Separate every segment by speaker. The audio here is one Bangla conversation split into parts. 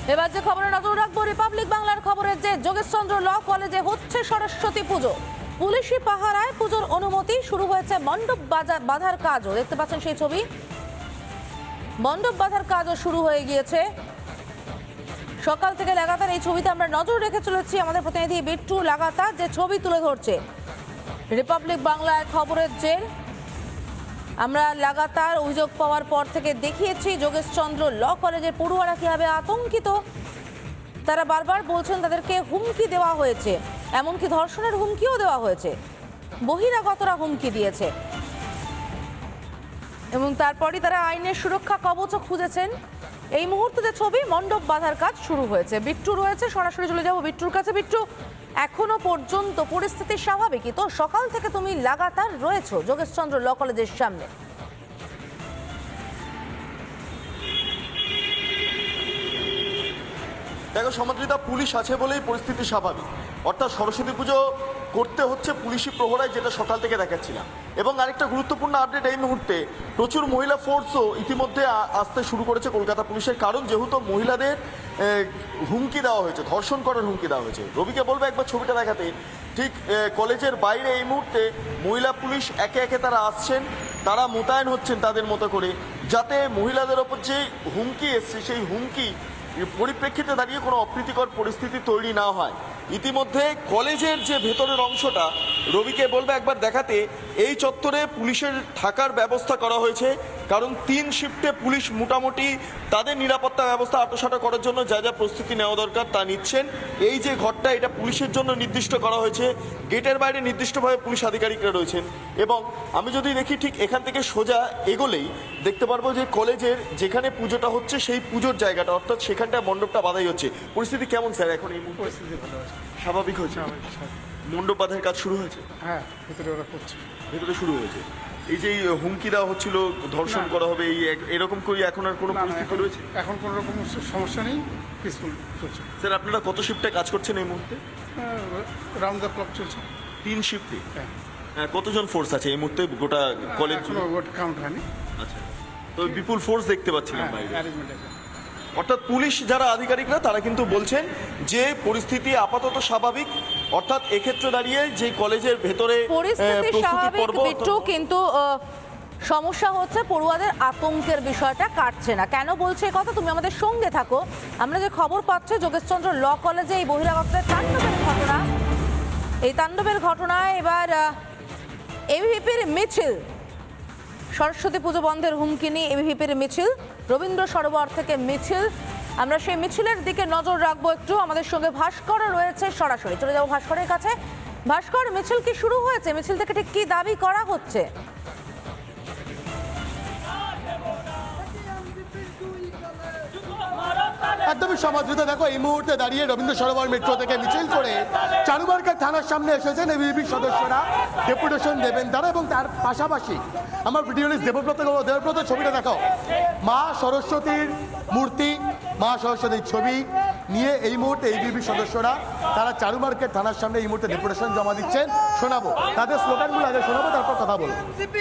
Speaker 1: এবার যে খবরে নজর রাখবো রিপাবলিক বাংলার খবরে, যে যোগেশচন্দ্র ল কলেজে হচ্ছে সরস্বতী পুজো। পুলিশি পাহারায় পুজোর অনুমতি, শুরু হয়েছে মণ্ডপ বাঁধার কাজও। দেখতে পাচ্ছেন সেই ছবি, মণ্ডপ বাঁধার কাজও শুরু হয়ে গিয়েছে সকাল থেকে। লাগাতার এই ছবিতে আমরা নজর রেখে চলেছি, আমাদের প্রতিনিধি বিট্টু লাগাতার যে ছবি তুলে ধরছে রিপাবলিক বাংলায় খবরের জের। আমরা লাগাতার অভিযোগ পাওয়ার পর থেকে দেখিয়েছি যোগেশচন্দ্র ল কলেজের পড়ুয়ারা কিভাবে আতঙ্কিত। তারা বারবার বলছেন তাদেরকে হুমকি দেওয়া হয়েছে, এমনকি ধর্ষণের হুমকিও দেওয়া হয়েছে, বহিরাগতরা হুমকি দিয়েছে এবং তারপরই তারা আইনের সুরক্ষা কবচও খুঁজেছেন। এই মুহূর্তে যে ছবি, মণ্ডপ বাঁধার কাজ শুরু হয়েছে। বিট্টু রয়েছে, সরাসরি চলে যাব বিট্টুর কাছে। বিট্টু, এখনো পর্যন্ত পরিস্থিতি স্বাভাবিকই তো? সকাল থেকে তুমি লাগাতার রয়েছো যোগেশচন্দ্র ল কলেজের সামনে।
Speaker 2: দেখো সমাদৃতা, পুলিশ আছে বলেই পরিস্থিতি স্বাভাবিক। অর্থাৎ সরস্বতী পুজো করতে হচ্ছে পুলিশি প্রহরায়, যেটা সকাল থেকে দেখাচ্ছিলাম। এবং আরেকটা গুরুত্বপূর্ণ আপডেট, এই মুহূর্তে প্রচুর মহিলা ফোর্সও ইতিমধ্যে আসতে শুরু করেছে কলকাতা পুলিশের। কারণ যেহেতু মহিলাদের হুমকি দেওয়া হয়েছে, ধর্ষণ করার হুমকি দেওয়া হয়েছে। রবিকে বলবো একবার ছবিটা দেখাতে। ঠিক কলেজের বাইরে এই মুহূর্তে মহিলা পুলিশ একে একে তারা আসছেন, তারা মোতায়েন হচ্ছেন তাদের মতো করে, যাতে মহিলাদের ওপর যে হুমকি এসছে সেই হুমকি পরিপ্রেক্ষিতে দাঁড়িয়ে কোনো অপ্রীতিকর পরিস্থিতি তৈরি না হয়। ইতিমধ্যে কলেজের যে ভেতরের অংশটা, রবিকে বলবে একবার দেখাতে, এই চত্বরে পুলিশের থাকার ব্যবস্থা করা হয়েছে। কারণ 3 শিফটে পুলিশ মোটামুটি তাদের নিরাপত্তা ব্যবস্থা আঁটোসাঁটো করার জন্য যা যা প্রস্তুতি নেওয়া দরকার তা নিচ্ছেন। এই যে ঘরটা, এটা পুলিশের জন্য নির্দিষ্ট করা হয়েছে। গেটের বাইরে নির্দিষ্টভাবে পুলিশ আধিকারিকরা রয়েছেন। এবং আমি যদি দেখি ঠিক এখান থেকে সোজা এগোলেই দেখতে পারবো যে কলেজের যেখানে পুজোটা হচ্ছে সেই পুজোর জায়গাটা, অর্থাৎ সেখানটায় মণ্ডপটা বাঁধাই হচ্ছে। পরিস্থিতি কেমন স্যার এখন? এই
Speaker 3: পরিস্থিতি ভালো আছে,
Speaker 2: স্বাভাবিক হয়েছে? মণ্ডপ বাঁধার কাজ শুরু হয়েছে?
Speaker 3: হ্যাঁ, ভেতরে ওরা করছে।
Speaker 2: ভেতরে শুরু হয়েছে। এই যে হুমকি দেওয়া হচ্ছিল, ধর্ষণ করা হবে, এই এরকম করে এখন আর কোনো পরিস্থিতি রয়েছে?
Speaker 3: এখন কোনো রকম সমস্যা নেই, পিসফুল চলছে।
Speaker 2: স্যার আপনারা কত শিফটে কাজ করছেন এই মুহূর্তে?
Speaker 3: রাউন্ড দ্য ক্লক চলছে।
Speaker 2: 3 শিফটে?
Speaker 3: হ্যাঁ।
Speaker 2: কতজন ফোর্স আছে এই মুহূর্তে গোটা কলেজ?
Speaker 3: কোনো ভোট কাউন্ট হয়নি।
Speaker 2: আচ্ছা, তো বিপুল ফোর্স দেখতে পাচ্ছিলাম বাইরে।
Speaker 3: অ্যারেঞ্জমেন্ট আছে।
Speaker 2: অর্থাৎ পুলিশ যারা আধিকারিকরা তারা কিন্তু বলছেন যে পরিস্থিতি আপাতত স্বাভাবিক। অর্থাৎ এক্ষেত্রে দাঁড়িয়ে যে কলেজের ভেতরে
Speaker 1: পরিস্থিতি স্বাভাবিক বিট্টু, কিন্তু সমস্যা হচ্ছে পড়ুয়াদের আতঙ্কের বিষয়টা কাটছে না। কেন বলছে এই কথা? তুমি আমাদের সঙ্গে থাকো। আমরা যে খবর পাচ্ছি যোগেশচন্দ্র ল কলেজে এই বহিরাগতদের তাণ্ডবের ঘটনা, এই তাণ্ডবের ঘটনায় এবার এবিভিপির মিছিল, সরস্বতী পুজো বন্ধের হুমকি নিয়ে এবিভিপির মিছিল, রবীন্দ্র সরোবর থেকে মিছিল। আমরা সেই মিছিলের দিকে নজর রাখবো একটু। আমাদের সঙ্গে ভাস্কর রয়েছে, সরাসরি চলে যাবো ভাস্করের কাছে। ভাস্কর, মিছিল কি শুরু হয়েছে? মিছিল থেকে ঠিক কি দাবি করা হচ্ছে?
Speaker 4: একদমই সমাদৃত। দেখো এই মুহূর্তে দাঁড়িয়ে রবীন্দ্র সরোবর মেট্রো থেকে মিছিল করে চারুবারকার থানার সামনে এসেছেন এবিভিপির সদস্যরা, ডেপুটেশন দেবেন তারা। এবং তার পাশাপাশি আমার ভিডিওলিস্ট দেবব্রত ছবিটা দেখাও। মা সরস্বতীর মূর্তি, মা সরস্বতীর ছবি নিয়ে এই মুহূর্তে এবিভিপির সদস্যরা তারা চারুমার্কেট থানার সামনে এই মুহূর্তে ডেপুটেশন জমা দিচ্ছেন। শোনাবো তাদের স্লোগানগুলো, আগে শোনাবো তারপর কথা বলবো।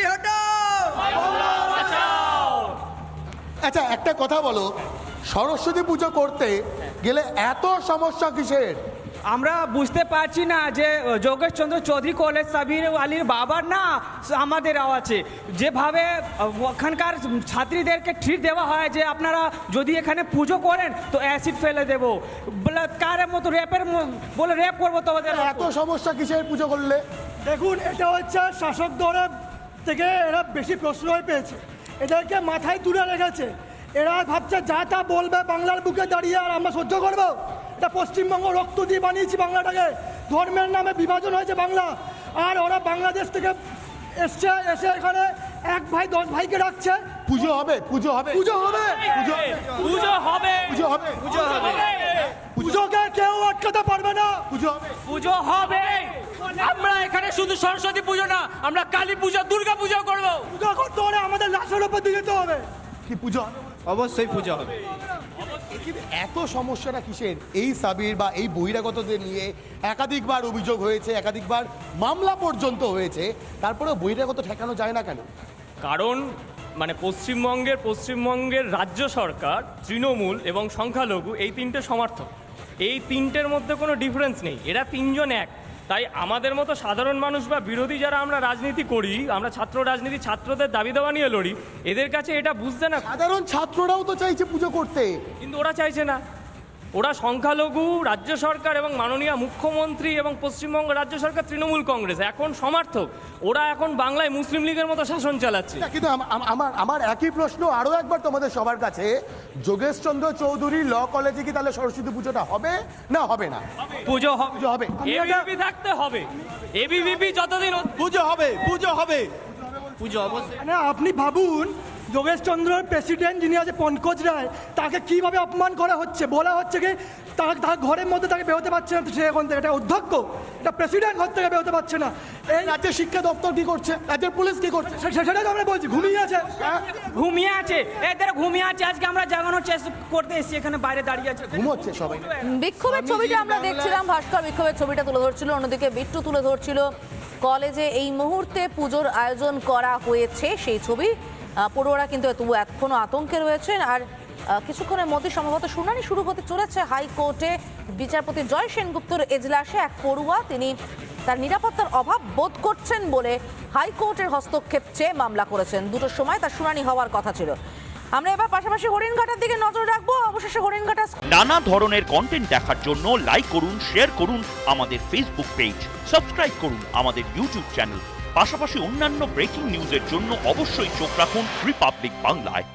Speaker 4: আচ্ছা, একটা কথা বলো, সরস্বতী পুজো করতে গেলে এত সমস্যা কিসের?
Speaker 5: আমরা বুঝতে পারছি না যে যোগেশচন্দ্র চৌধুরী কলেজ সাবির আলীর বাবার না আমাদের আছে, যেভাবে ওখানকার ছাত্রীদেরকে ট্রিট দেওয়া হয় যে আপনারা যদি এখানে পুজো করেন তো অ্যাসিড ফেলে দেবো, কারের মতো র্যাপের বলে র্যাপ করবো তোমাদের।
Speaker 4: এত সমস্যা কিসের পুজো করলে?
Speaker 6: দেখুন, এটা হচ্ছে শাসক দলের থেকে এরা বেশি প্রশ্রয় পেয়েছে, এদেরকে মাথায় তুলে রেখেছে। এরা ভাবছে যা তা বলবে বাংলার বুকে দাঁড়িয়ে, আর আমরা সহ্য করবো? এটা পশ্চিমবঙ্গ রক্ত দিয়ে বানিয়েছি বাংলাটাকে, ধর্মের নামে বিভাজন হয়েছে বাংলা। আর ওরা বাংলাদেশ থেকে এসে এখানে 1 ভাই 10 ভাইকে রাখছে।
Speaker 4: পুজো হবে, পুজো হবে,
Speaker 6: পুজো হবে,
Speaker 4: পুজো
Speaker 5: পুজো হবে,
Speaker 4: পুজো হবে,
Speaker 5: পুজো হবে,
Speaker 6: পুজোকে কেউ আটকাতে পারবে না।
Speaker 4: পুজো হবে,
Speaker 5: পুজো হবে। আমরা এখানে শুধু সরস্বতী পুজো না, আমরা কালী পুজো, দুর্গা পুজো করবো।
Speaker 6: পুজো করতে হলে আমাদের লাশের উপর দিয়ে যেতে হবে।
Speaker 4: কি পুজো হবে?
Speaker 5: অবশ্যই পুজো হবে।
Speaker 4: এত সমস্যাটা কিসের? এই সাবির বা এই বহিরাগতদের নিয়ে একাধিকবার অভিযোগ হয়েছে, একাধিকবার মামলা পর্যন্ত হয়েছে, তারপরে বহিরাগত ঠেকানো যায় না কেন?
Speaker 5: কারণ
Speaker 7: মানে পশ্চিমবঙ্গের রাজ্য সরকার, তৃণমূল এবং সংখ্যালঘু এই তিনটে সমর্থক, এই তিনটের মধ্যে কোনো ডিফারেন্স নেই, এরা তিনজন এক। তাই আমাদের মতো সাধারণ মানুষ বা বিরোধী যারা আমরা রাজনীতি করি, আমরা ছাত্র রাজনীতি, ছাত্রদের দাবি দাওয়া নিয়ে লড়ি, এদের কাছে এটা বুঝতে না,
Speaker 4: সাধারণ ছাত্ররাও তো চাইছে পুজো করতে।
Speaker 7: কিন্তু ওরা চাইছে না। ওরা সংখ্যালঘু, রাজ্য সরকার এবং মাননীয় মুখ্যমন্ত্রী এবং পশ্চিমবঙ্গ রাজ্য সরকার তৃণমূল কংগ্রেস এখন সমর্থক। ওরা এখন বাংলায় মুসলিম লীগের মতো শাসন চালাচ্ছে।
Speaker 4: কিন্তু আমার একই প্রশ্ন আরো একবার তোমাদের সবার কাছে, যোগেশচন্দ্র চৌধুরী ল কলেজে কি তাহলে সরস্বতী পুজোটা হবে না হবে না?
Speaker 5: পুজো
Speaker 4: পুজো হবে।
Speaker 7: এবিভিপি থাকতে হবে, এবিভিপি যতদিন
Speaker 8: পুজো হবে, পুজো হবে, পুজো অবশ্যই।
Speaker 6: মানে আপনি ভাবুন, যোগেশচন্দ্রের প্রেসিডেন্ট যিনি আছে পঙ্কজ রায়, তাকে কিভাবে অপমান করা হচ্ছে। বলা হচ্ছে কি তার ঘরের মধ্যে তাকে বেরোতে পারছে না, সে এখন থেকে এটা অধ্যক্ষ, এটা প্রেসিডেন্ট ঘর থেকে বেরোতে পারছে না। এই
Speaker 4: রাজ্যের শিক্ষা দপ্তর কি করছে, রাজ্যের পুলিশ কি করছে?
Speaker 6: সেটাই তো আমরা বলছি, ঘুমিয়ে আছে।
Speaker 5: ঘুমিয়ে আছে, এদের ঘুমিয়ে আছে। আজকে আমরা জাগানোর চেষ্টা করতে এসেছি, এখানে বাইরে দাঁড়িয়ে আছে,
Speaker 4: ঘুমোচ্ছে সবাই।
Speaker 1: বিক্ষোভের ছবিটা আমরা দেখছিলাম, ভাস্কর বিক্ষোভের ছবিটা তুলে ধরছিল, অন্যদিকে বিট্টু তুলে ধরছিল কলেজে এই মুহূর্তে পুজোর আয়োজন করা হয়েছে সেই ছবি। পড়ুয়ারা কিন্তু এখনো আতঙ্কে রয়েছেন। আর কিছুক্ষণের মধ্যে সম্ভবত শুনানি শুরু হতে চলেছে হাইকোর্টে। বিচারপতি জয় সেনগুপ্তর এজলাসে এক পড়ুয়া, তিনি তার নিরাপত্তার অভাব বোধ করছেন বলে হাইকোর্টের হস্তক্ষেপ চেয়ে মামলা করেছেন। 2টোর সময় তার শুনানি হওয়ার কথা ছিল। আমরা এবার পাশাপাশি হরিণঘাটার দিকে নজর রাখবো। অবশেষে হরিণঘাটা
Speaker 9: নানা ধরনের কন্টেন্ট দেখার জন্য লাইক করুন, শেয়ার করুন আমাদের ফেসবুক পেজ, সাবস্ক্রাইব করুন আমাদের ইউটিউব চ্যানেল। পাশাপাশি অন্যান্য ব্রেকিং নিউজের জন্য অবশ্যই চোখ রাখুন রিপাবলিক বাংলায়।